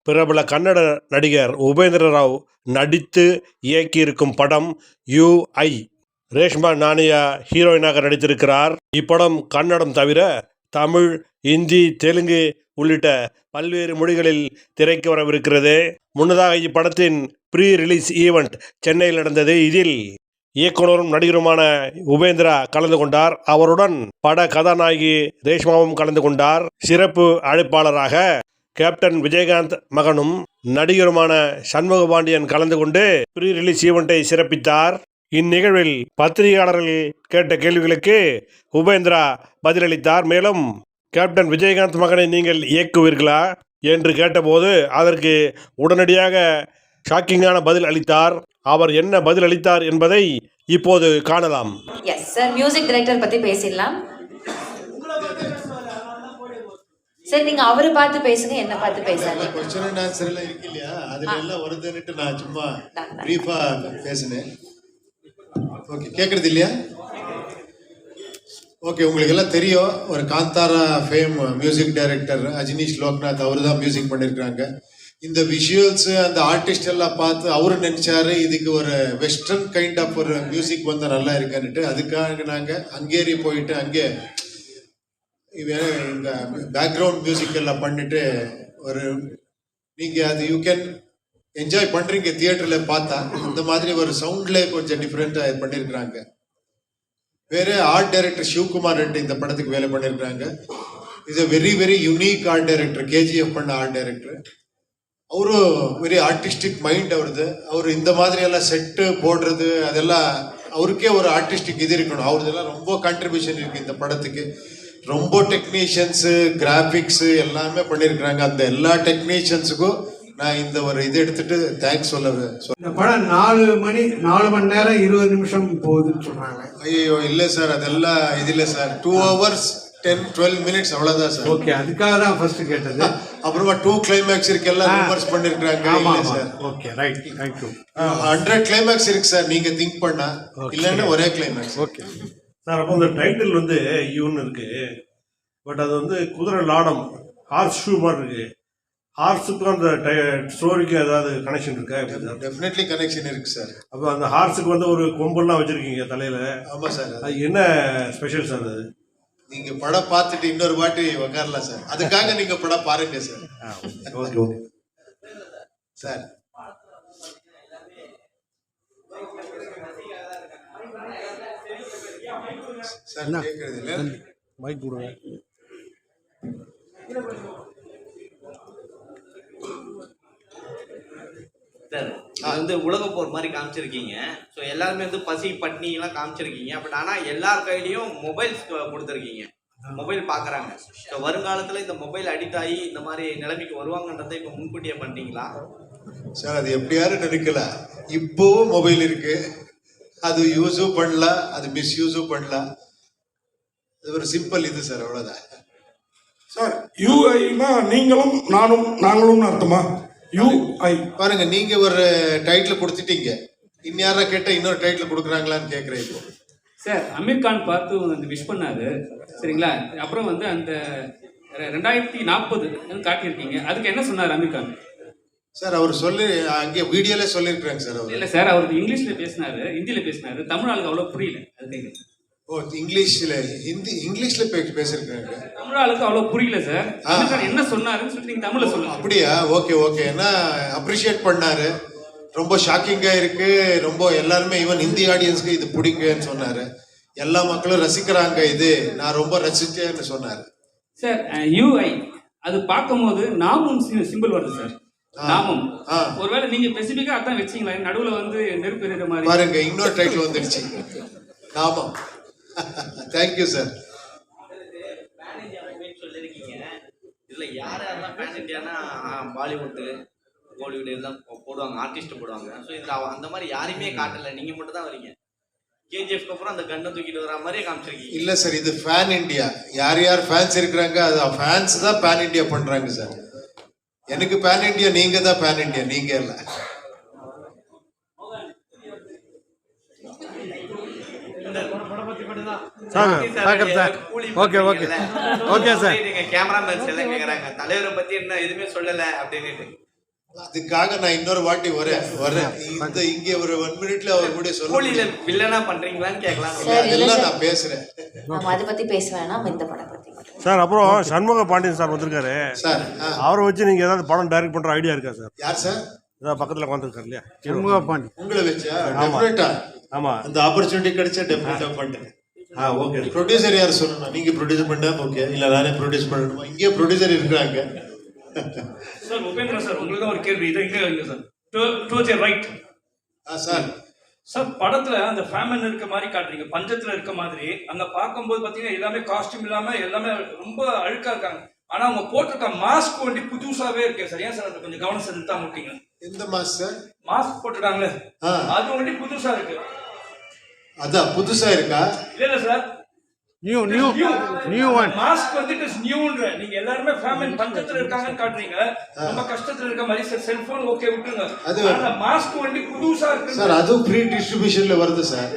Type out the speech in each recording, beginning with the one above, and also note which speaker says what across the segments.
Speaker 1: பிரபல கன்னட நடிகர் உபேந்திர ராவ் நடித்து இயக்கியிருக்கும் படம் யூஐ. ரேஷ்மா நானியா ஹீரோயினாக நடித்திருக்கிறார். இப்படம் கன்னடம் தவிர தமிழ், இந்தி, தெலுங்கு உள்ளிட்ட பல்வேறு மொழிகளில் திரைக்கு வரவிருக்கிறது. முன்னதாக இப்படத்தின் ப்ரீ ரிலீஸ் ஈவெண்ட் சென்னையில் நடந்தது. இதில் இயக்குனரும் நடிகருமான உபேந்திரா கலந்து கொண்டார். அவருடன் பட கதாநாயகி ரேஷ்மாவும் கலந்து கொண்டார். சிறப்பு அழைப்பாளராக கேப்டன் விஜயகாந்த் மகனும் நடிகருமான சண்முகபாண்டியன் கலந்து கொண்டு ப்ரீ ரிலீஸ் ஈவெண்ட்டை சிறப்பித்தார். இந்நிகழ்வில் பத்திரிகையாளர்கள் கேட்ட கேள்விகளுக்கு உபேந்திரா பதிலளித்தார். மேலும் கேப்டன் விஜயகாந்த் மகனை நீங்கள் இயக்குவீர்களா என்று கேட்டபோது அதற்கு உடனடியாக ஷாக்கிங்கான பதில் அளித்தார். அவர் என்ன பதில் அளித்தார் என்பதை இப்போது காணலாம்.
Speaker 2: எஸ் சார், மியூசிக் டைரக்டர் பத்தி பேசிடலாம் சார். நீங்க அவரை பார்த்து பேசுங்க, என்ன பார்த்து பேசாதீங்க.
Speaker 3: क्वेश्चन and answer எல்லாம் இருக்கு இல்லையா, அதுல எல்லாம் வருதுன்னுட்டு நான் சும்மா பிரீஃபா பேசினேன். ஓகே, கேக்குறது இல்லையா? ஓகே, உங்களுக்கு எல்லாம் தெரியும், ஒரு Kantara fame music director Ajaneesh Loknath அவர் தான் மியூசிக் பண்ணியிருக்காங்க. இந்த விஷுவல்ஸ் அந்த ஆர்டிஸ்ட் எல்லாம் பார்த்து அவரு நினைச்சாரு இதுக்கு ஒரு வெஸ்டர்ன் கைண்ட் ஆஃப் ஒரு மியூசிக் வந்தால் நல்லா இருக்குன்னுட்டு அதுக்காக நாங்கள் ஹங்கேரி போயிட்டு அங்கே இந்த பேக்ரவுண்ட் மியூசிக் எல்லாம் பண்ணிட்டு ஒரு நீங்கள் அது யூ கேன் என்ஜாய் பண்ணுறீங்க தியேட்டரில் பார்த்தா. இந்த மாதிரி ஒரு சவுண்ட்லேயே கொஞ்சம் டிஃப்ரெண்ட்டாக பண்ணியிருக்கிறாங்க. வேறு ஆர்ட் டைரக்டர் சிவகுமார் ரெட்டி இந்த படத்துக்கு வேலை பண்ணியிருக்கிறாங்க. இது very very unique art director, KGF பண்ண ஆர்ட் டைரக்டர். அவரு வெரி ஆர்டிஸ்டிக் மைண்ட் அவருது. அவர் இந்த மாதிரி எல்லாம் செட்டு போடுறது அதெல்லாம் அவருக்கே ஒரு ஆர்டிஸ்டிக் இது இருக்கணும். அவரதெல்லாம் ரொம்ப கான்ட்ரிபியூஷன் இருக்கு இந்த படத்துக்கு. ரொம்ப டெக்னீஷியன்ஸு, கிராஃபிக்ஸு எல்லாமே பண்ணியிருக்கிறாங்க. அந்த எல்லா டெக்னீஷியன்ஸுக்கும் நான் இந்த ஒரு இது எடுத்துட்டு தேங்க்ஸ் சொல்லுவேன்.
Speaker 4: இந்த படம் 4 மணி நேரம் 20 நிமிஷம் போகுதுன்னு சொல்றாங்க.
Speaker 3: ஐயோ இல்லை சார், அதெல்லாம் இது இல்லை சார். 2 hours 10-12 minutes அவ்வளோதான் சார்.
Speaker 4: ஓகே, அதுக்காக தான் ஃபர்ஸ்ட் கேட்டது.
Speaker 3: அப்புறமா 2 climax இருக்கு, எல்லாம் ரிவர்ஸ் பண்ணிருக்காங்க.
Speaker 4: ஆமா sir. Okay, right, thank you.
Speaker 3: 100 climax இருக்கு சார், நீங்க திங்க் பண்ணா. இல்லன்னா ஒரே கிளைமேக்ஸ்.
Speaker 4: ஓகே
Speaker 1: சார், அப்போ இந்த டைட்டில் வந்து யூன்னு இருக்கு, பட் அது வந்து குதிரை லாடம், ஹார்ஸ் ஷூ மாதிரி இருக்கு. ஹார்ஸுக்கும் அந்த ஸ்டோரிக்கு ஏதாவது கனெக்ஷன் இருக்கா?
Speaker 3: டெஃபினெட்லி கனெக்ஷன் இருக்கு சார்.
Speaker 1: அப்போ அந்த ஹார்ஸுக்கு வந்து ஒரு கொம்பெல்லாம் வச்சிருக்கீங்க தலையில.
Speaker 3: ஆமா சார்.
Speaker 1: அது என்ன ஸ்பெஷல் சார்? அது
Speaker 3: நீங்க படம் பார்த்துட்டு இன்னொரு வாட்டி உட்காரலாம் சார். அதுக்காக நீங்க படம் பாருங்க sir.
Speaker 1: Okay okay
Speaker 3: sir. Sir கேட்கறது இல்லை,
Speaker 1: மைக் கொடுங்க.
Speaker 5: சார், இது வந்து உலக போர் மாதிரி காமிச்சிருக்கீங்க. ஸோ எல்லாருமே வந்து பசி பட்னி எல்லாம் காமிச்சிருக்கீங்க. பட் ஆனால் எல்லார் கையிலையும் மொபைல்ஸ் கொடுத்துருக்கீங்க, மொபைல் பார்க்குறாங்க. ஸோ வருங்காலத்தில் இந்த மொபைல் அடிக்ட் ஆகி இந்த மாதிரி நிலைமைக்கு வருவாங்கன்றதை இப்போ முன்கூட்டியே பண்ணிட்டீங்களா?
Speaker 3: சார், அது எப்படி யாரும் நினைக்கல. இப்போவும் மொபைல் இருக்கு, அது யூஸும் பண்ணலாம், அது மிஸ்யூஸும் பண்ணலாம். அது ஒரு சிம்பிள் இது சார், அவ்வளோதான்
Speaker 6: சார். யூஐனா நீங்களும் நாங்களும் அர்த்தமா? யூஐ
Speaker 3: பாருங்க, நீங்க ஒரு டைட்டில் கொடுத்துட்டீங்க, இன்யாரா கேட்டால் இன்னொரு டைட்டில் கொடுக்குறாங்களான்னு கேட்குறேன் இப்போ.
Speaker 7: சார், அமீர் கான் பார்த்து வந்து விஷ் பண்ணாரு, சரிங்களா? அப்புறம் வந்து அந்த 2040 காட்டியிருக்கீங்க, அதுக்கு என்ன சொன்னார் அமீர் கான்?
Speaker 3: சார், அவர் சொல்லி அங்கே வீடியோல சொல்லியிருக்கிறாங்க சார். அவர்
Speaker 7: இல்லை சார், அவருக்கு இங்கிலீஷில் பேசினாரு, ஹிந்தியில் பேசினாரு, தமிழ் ஆளுக்கு அவ்வளோ புரியல. அது
Speaker 3: ஓ, இங்கிலீஷில் இங்கிலீஷில் பேசியிருக்காங்க.
Speaker 7: தமிழ் ஆளுக்கு அவ்வளோ புரியல சார். அமீர் கான் என்ன சொன்னாருன்னு சொல்லிட்டு நீங்கள் தமிழில் சொல்லுங்க.
Speaker 3: அப்படியா? Okay okay. என்ன அப்ரிஷியேட் பண்ணாரு, ரொம்ப ஷாக்கிங்காக இருக்கு. ரொம்ப எல்லாருமே ஈவன் ஹிந்தி ஆடியன்ஸ்க்கு இது பிடிக்குன்னு சொன்னாரு. எல்லா மக்களும் ரசிக்கிறாங்க, இது நான் ரொம்ப ரசிச்சேன்னு சொன்னாரு
Speaker 7: சார். யூஐ அது பார்க்கும்போது நாமும் சிம்பிள் வருது சார். நாமம் ஒருவேளை நீங்க ஸ்பெசிபிக்கா அதான் வச்சீங்களா? நடுவுல வந்து நெருப்பு எறிகிற மாதிரி
Speaker 3: பாருங்க, இன்னொரு டைட்டில் வந்துடுச்சு, நாமம். Thank you sir.
Speaker 5: சொல்லியிருக்கீங்க, இதுல யார் யாரெல்லாம் பேன் இண்டியானா பாலிவுட்டு, பாலிவுட் எல்லாம் போடுவாங்க, ஆர்டிஸ்ட் போடுவாங்க. ஸோ இதுல அந்த மாதிரி யாரையுமே காட்டல, நீங்க மட்டும் தான் வரீங்க. கேஜிஎஃப்க்கு அப்புறம் அந்த கண்ணை தூக்கிட்டு வர மாதிரியே காமிச்சிருக்கீங்க.
Speaker 3: இல்ல சார், இது பேன் இண்டியா. யார் யார் ஃபேன்ஸ் இருக்கிறாங்க, அது ஃபேன்ஸ் தான் பேன் இண்டியா பண்றாங்க சார். எனக்கு பேன் இண்டியா, நீங்க தான் பேன் இண்டியா, நீங்க இல்ல.
Speaker 5: கேமராமேன்ஸ் எல்லாம் கேக்குறாங்க தலைவரை பத்தி என்ன எதுவுமே சொல்லல அப்படின்னு.
Speaker 3: அதுக்காக நான் இன்னொரு வாட்டி வரேன் இங்கே ஒரு 1 மினிட்ல அவர் கூட சொல்ல
Speaker 5: கூலியில வில்லனா பண்றீங்களான்னு கேட்கலாம்.
Speaker 2: சார், இல்ல
Speaker 3: அதெல்லாம்
Speaker 2: சார்.
Speaker 3: நான் பேசுறேன்
Speaker 2: நம்ம அதை பத்தி பேச வேணாம், இந்த படம் பத்தி மட்டும்.
Speaker 1: சார் அப்புறம் சண்முக பாண்டியன் சார் வந்திருக்காரு.
Speaker 3: சார்.
Speaker 1: அவரை வச்சு நீங்க ஏதாவது படம் டைரக்ட் பண்ற ஐடியா இருக்கா சார்?
Speaker 3: யார் சார்?
Speaker 1: ஏதாவது பக்கத்துல உட்காந்துருக்காரு இல்லையா?
Speaker 4: சண்முகபாண்டி.
Speaker 3: உங்களை வச்சா டெஃபினட்டா
Speaker 1: ஆமா.
Speaker 3: அந்த ஆப்பர்ச்சுனிட்டி கிடைச்சா டெஃபினட்டா பண்றேன்.
Speaker 1: ஓகே.
Speaker 3: ப்ரொடியூசர் யார் சொல்லணும்? நீங்க ப்ரொடியூஸ் பண்ணா ஓகே, இல்ல நானே ப்ரொடியூஸ் பண்ணணுமா? இங்கே ப்ரொடியூசர் இருக்காங்க.
Speaker 7: சார் உபேந்திரன் சார், உங்களுக்கு தான் ஒரு கேள்வி. இதை இங்கே வைங்க sir. Towards right.
Speaker 3: Sir
Speaker 7: sir, படத்துல அந்த ஃபேமிலி இருக்க மாதிரி காட்டுறீங்க, பஞ்சத்துல இருக்க மாதிரி. அங்க பார்க்கும்போது பாத்தீங்கன்னா எல்லாமே காஸ்டியூம் இல்லாம எல்லாமே ரொம்ப அழுக்கா இருக்காங்க. ஆனா அவங்க போட்டிருக்க மாஸ்க் வந்து புதுசாவே இருக்கு சார். ஏன் சார் அது கொஞ்சம் கவனம் செலுத்தா முட்டீங்க?
Speaker 3: எந்த மாஸ் சார்?
Speaker 7: மாஸ்க் போட்டிருக்காங்களே, அது வந்து புதுசா இருக்கு.
Speaker 3: அதான் புதுசா இருக்கா?
Speaker 7: இல்ல சார்,
Speaker 4: நியூ ஒன்.
Speaker 7: மாஸ்க் வந்து இட் இஸ் நியூன்ற. நீங்க எல்லாரும் ஃபேமிலி பஞ்சத்துல இருக்காங்கன்னு காட்டுறீங்க, ரொம்ப கஷ்டத்துல இருக்க மாதிரி. சார் செல்போன் ஓகே விட்டுருங்க,
Speaker 3: அது
Speaker 7: ஆனா மாஸ்க் வந்து புதுசா இருக்கு
Speaker 3: சார். அதுவும் ஃப்ரீ டிஸ்ட்ரிபியூஷன்ல வருது சார்.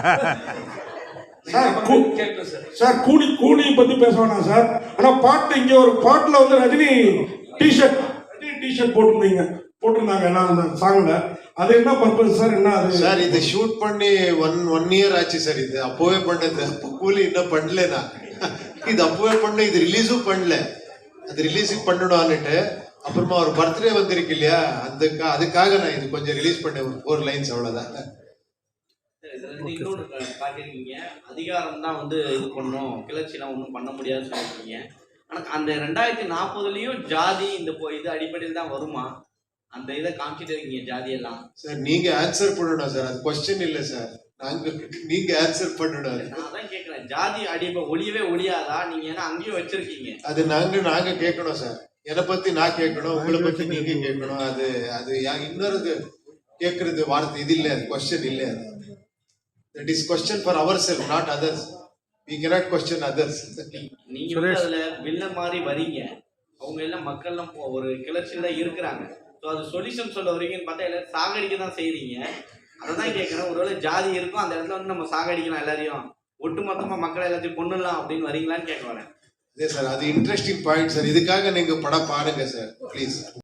Speaker 7: கேட்கல சார்.
Speaker 6: சார் கூலி பத்தி பேச வேணாம் சார். ஆனா பாட்டு இங்க ஒரு பாட்டுல வந்து ரஜினி டிஷர்ட் போட்டிருந்தாங்க எல்லாம் அந்த சாங்ல. அது என்ன பர்பஸ் சார்? என்ன அது
Speaker 3: சார்? இது ஷூட் பண்ணி ஒன் இயர் ஆச்சு சார். இது அப்போவே பண்ணது. அப்போ கூலி இன்னும் பண்ணல. நான் இது அப்போவே பண்ண, இது ரிலீஸும் பண்ணல. அது ரிலீஸுக்கு பண்ணணும்னுட்டு அப்புறமா ஒரு பர்த்டே வந்திருக்கு இல்லையா, அதுக்காக நான் இது கொஞ்சம் ரிலீஸ் பண்ணேன். ஒரு 4 லைன்ஸ் அவ்வளவுதான்.
Speaker 5: இன்னொன்று காட்டியிருக்கீங்க, அதிகாரம் தான் வந்து இது பண்ணும், கிளர்ச்சிலாம் ஒன்றும் பண்ண முடியாதுன்னு சொல்லியிருக்கீங்க. ஆனால் அந்த 2040லயும் ஜாதி இந்த இது அடிப்படையில் தான் வருமா? அந்த இதை காமிச்சிட்டு இருக்கீங்க ஜாதியெல்லாம்.
Speaker 3: சார் நீங்க ஆன்சர் பண்ணணும் சார். அது கொஸ்டின் இல்லை சார். நீங்க ஆன்சர் பண்ணணும்.
Speaker 5: நான் தான் கேட்குறேன், ஜாதி ஒளியவே ஒளியாதா? நீங்க ஏன்னா அங்கேயும் வச்சிருக்கீங்க.
Speaker 3: அது நாங்க கேட்கணும் சார். என்னை பத்தி நான் கேட்கணும், உங்களை பத்தி நீங்க கேட்கணும். அது இன்னொரு கேட்கறது வார்த்தை இது இல்லை, அது கொஸ்டின் இல்லை. That is question for ourselves, not others. We cannot question others.
Speaker 5: நீங்க வந்து அதுல வில்ல மாதிரி வரீங்க, அவங்க எல்லாம் மக்கள்லாம் ஒரு கிளர்ச்சியில தான் இருக்கிறாங்க. ஸோ அது சொல்யூஷன் சொல்ல வரீங்கன்னு பார்த்தா எல்லாரும் சாகடிக்க தான் செய்றீங்க. அதை தான் கேட்குறேன், ஒருவேளை ஜாதி இருக்கும் அந்த இடத்துல வந்து நம்ம சாகடிக்கலாம், எல்லாரையும் ஒட்டுமொத்தமா மக்களை எல்லாத்தையும் கொண்டுடலாம் அப்படின்னு வரீங்களான்னு கேட்க வரேன்.
Speaker 3: அதே சார், அது இன்ட்ரெஸ்டிங் பாயிண்ட் சார். இதுக்காக நீங்க படம் பாருங்க சார் ப்ளீஸ்.